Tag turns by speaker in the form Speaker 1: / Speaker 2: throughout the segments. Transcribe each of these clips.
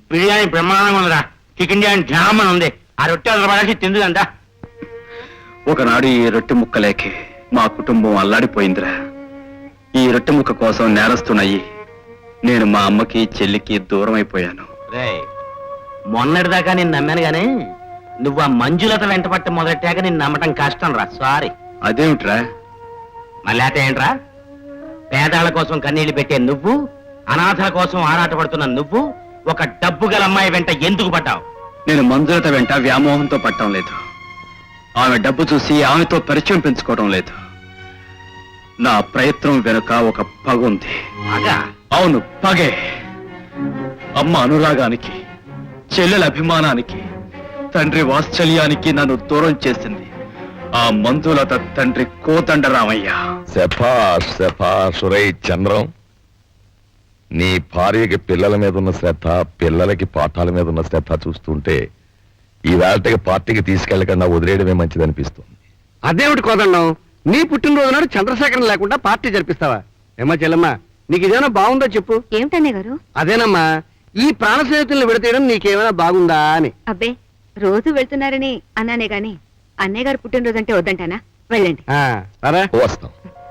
Speaker 1: బిర్యానీ బ్రహ్మాండంగా ఉందిరా. చికెన్ బిర్యానీ జామన్ ఉంది. ఆ రొట్టె పడేసి తిందుదంతా.
Speaker 2: ఒకనాడు ఈ రొట్టె ముక్కలేకి మా కుటుంబం అల్లాడిపోయిందిరా. ఈ రొట్టె ముక్క కోసం నేరస్తున్నాయి నేను మా అమ్మకి చెల్లికి దూరం అయిపోయాను.
Speaker 1: మొన్నటిదాకా నేను నమ్మాను గానీ నువ్వు ఆ మంజులత వెంట పట్ట మొదలెట్టాక నేను నమ్మటం కష్టం రా. సారీ.
Speaker 2: అదేమిట్రా?
Speaker 1: మళ్ళీ ఏంట్రా? పేదాల కోసం కన్నీళ్లు పెట్టే నువ్వు, అనాథల కోసం ఆరాటపడుతున్న నువ్వు ఒక డబ్బు గల అమ్మాయి వెంట ఎందుకు పడ్డావు?
Speaker 2: నేను మంజులత వెంట వ్యామోహంతో పట్టడం లేదు. ఆమె డబ్బు చూసి ఆమెతో పరిచయం పెంచుకోవడం లేదు. నా ప్రయత్నం వెనుక ఒక పగ ఉంది. అవును, పగే. అమ్మ అనురాగానికి, చెల్లెల అభిమానానికి, తండ్రి వాత్సల్యానికి నన్ను దూరం చేసింది ఆ మంజులత తండ్రి కోదండరామయ్య.
Speaker 3: శభాష్ శభాష్. రేయ్ చంద్రం, నీ భార్యకి పిల్లల మీద ఉన్న శ్రద్ధ, పిల్లలకి పాఠాల మీద ఉన్న శ్రద్ధ చూస్తుంటే ఈ వేళకి పార్టీకి తీసుకెళ్లకుండా వదిలేయడమే మంచిదనిపిస్తుంది.
Speaker 4: అదేమిటి కోదండం, నీ పుట్టినరోజు నాడు చంద్రశేఖరం లేకుండా పార్టీ జరిపిస్తావా? ఏమా చెల్లమ్మా, నీకు ఇదేమైనా బాగుందో చెప్పు.
Speaker 5: ఏమిటన్నయ్య గారు?
Speaker 4: అదేనమ్మా, ఈ ప్రాణ స్నేహితుల్ని విడతీయడం నీకేమైనా బాగుందా అని.
Speaker 5: అబ్బే, రోజు వెళ్తున్నారని అన్నానే గాని అన్నయ్య గారు పుట్టినరోజు అంటే వద్దంటానా? వెళ్ళండి.
Speaker 3: వస్తాం.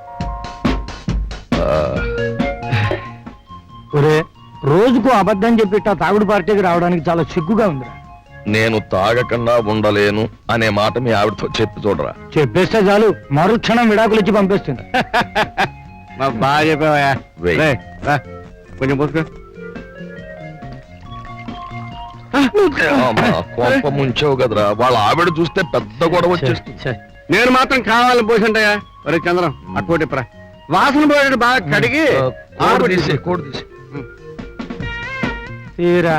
Speaker 6: రోజుకు అబద్ధం చెప్పిట్ట తాగుడు పార్టీకి రావడానికి చాలా సిగ్గుగా ఉందిరా.
Speaker 3: నేను తాగకుండా ఉండలేను అనే మాట మీ ఆవిడతో చెప్పి చూడరా.
Speaker 6: చెప్పేస్తే చాలు, మరుక్షణం విడాకులు ఇచ్చి పంపిస్తుంది.
Speaker 4: బాగా చెప్పావా? కొంచెం పోసుకో.
Speaker 3: కొంప ముంచావు కదరా. వాళ్ళ ఆవిడ చూస్తే పెద్ద గొడవ వచ్చేస్తుంది.
Speaker 4: నేను మాత్రం కావాలని పోసింటయ్యా. ఒరే చంద్రం, అట్టుకోటిప్రా. వాసన పోయేటట్టు బాగా కడిగి
Speaker 3: కోడి తీసి
Speaker 6: తీరా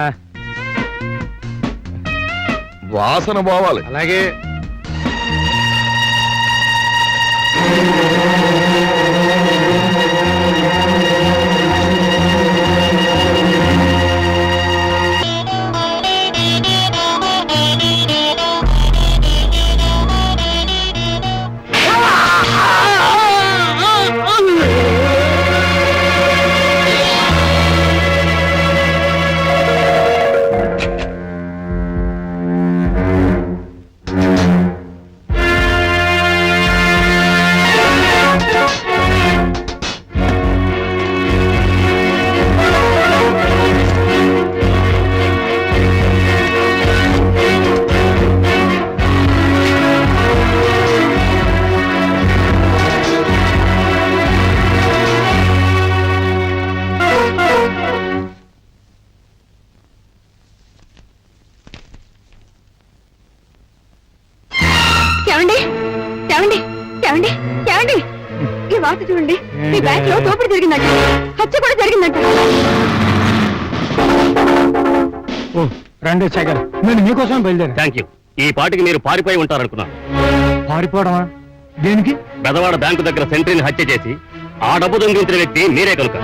Speaker 3: వాసన పోవాలి.
Speaker 4: అలాగే.
Speaker 5: ఈ వార్త చూడండి. మీ బ్యాంక్ లో దోపిడీ జరిగిందంట, హత్య కూడా జరిగిందంట.
Speaker 6: రండి శేఖర్, నేను మీకోసం బయలుదేరా.
Speaker 1: Thank you. ఈ పాటికి మీరు పారిపోయి ఉంటారనుకున్నాను.
Speaker 6: పారిపోవడమా? దేనికి?
Speaker 1: బెదవాడ బ్యాంకు దగ్గర సెంట్రీని హత్య చేసి ఆ డబ్బు దొంగిలించిన వ్యక్తి మీరే కనుక.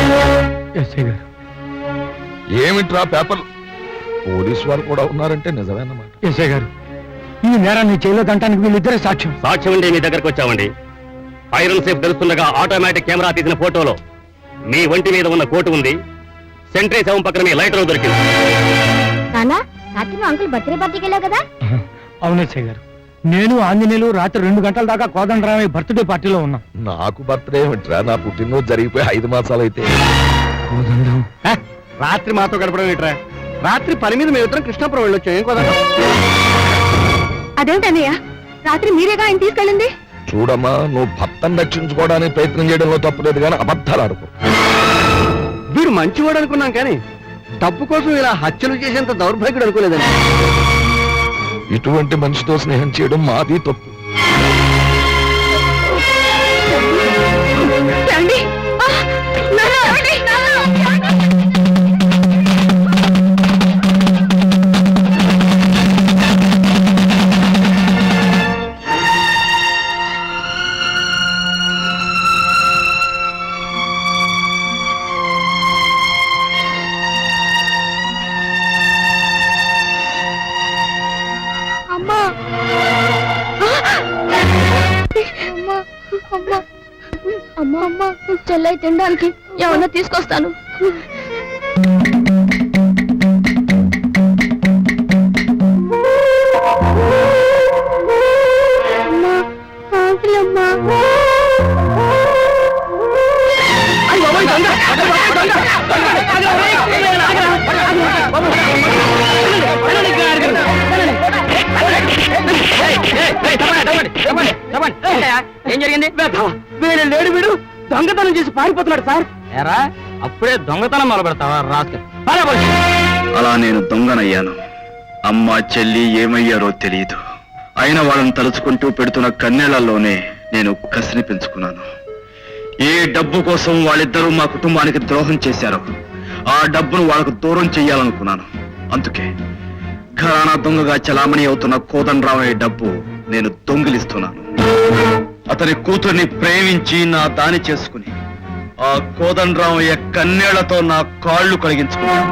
Speaker 3: ఏమిట్రా పేపర్? పోలీసు వారు కూడా ఉన్నారంటే నిజమేనమాట.
Speaker 6: ఎస్ఐ గారు, ఈ నేరాన్ని చేయలో దంటానికి వీళ్ళిద్దరే సాక్ష్యం.
Speaker 1: సాక్ష్యం అండి, మీ దగ్గరకు వచ్చామండి. ఐరన్ సేఫ్ తెలుస్తుండగా ఆటోమేటిక్ కెమెరా తీసిన ఫోటోలో మీ ఒంటి మీద ఉన్న కోటు ఉంది. సెంట్రీ శవం పక్కన మీ లైటర్ దొరికింది.
Speaker 5: అంకుల్ బర్త్డే పార్టీకి వెళ్ళావు కదా?
Speaker 6: అవును ఎస్ఐ గారు, నేను ఆంజనేయులు రాత్రి 2 గంటల దాకా కోదండరామయ్య బర్త్డే పార్టీలో ఉన్నాం.
Speaker 3: నాకు బర్త్డే ఏమిట్రా? నా పుట్టినరోజు జరిగిపోయి 5 మాసాలు అయితే.
Speaker 4: రాత్రి మాతో గడపడం ఏంట్రా? రాత్రి పని మీద మేమిద్దరం కృష్ణాపురం వెళ్ళొచ్చాం. ఏం కోదండం?
Speaker 5: అదేమిటన్నయ్య, రాత్రి మీరేగా ఆయన తీసుకెళ్ళింది?
Speaker 3: చూడమ్మా, నువ్వు భర్తను రక్షించుకోవడానికి ప్రయత్నం చేయడంలో తప్పలేదు, కానీ అబద్ధాలు ఆడుకో.
Speaker 4: వీడు మంచివాడు అనుకున్నాం, కానీ డబ్బు కోసం ఇలా హత్యలు చేసేంత దౌర్భాగ్యుడు అనుకోలేదండి.
Speaker 3: ఇటువంటి మనిషితో స్నేహం చేయడం మాది తప్పు.
Speaker 5: అమ్మా, చెల్లై తినడానికి ఏమన్నా తీసుకొస్తాను.
Speaker 1: ఏం జరిగింది?
Speaker 6: వీడు లేడు వీడు దొంగతనం చేసి పారిపోతున్నాడు సార్.
Speaker 1: ఏరా అప్పుడే దొంగతనం మొదలు పెడతావా రాస్క?
Speaker 2: అలా నేను దొంగనయ్యాను. అమ్మ చెల్లి ఏమయ్యారో తెలియదు. అయినా వాళ్ళని తలుచుకుంటూ పెడుతున్న కన్నీళ్లలోనే నేను కసిని పెంచుకున్నాను. ఏ డబ్బు కోసం వాళ్ళిద్దరూ మా కుటుంబానికి ద్రోహం చేశారో ఆ డబ్బును వాళ్ళకు దూరం చెయ్యాలనుకున్నాను. అందుకే ఘరానా దొంగగా చలామణి అవుతున్న కోదండరామయ్య డబ్బు నేను దొంగిలిస్తున్నాను. అతని కూతుర్ని ప్రేమించి నా దాని చేసుకుని ఆ కోదండరామయ్య కన్నీళ్లతో నా కాళ్ళు కడిగించుకున్నాను.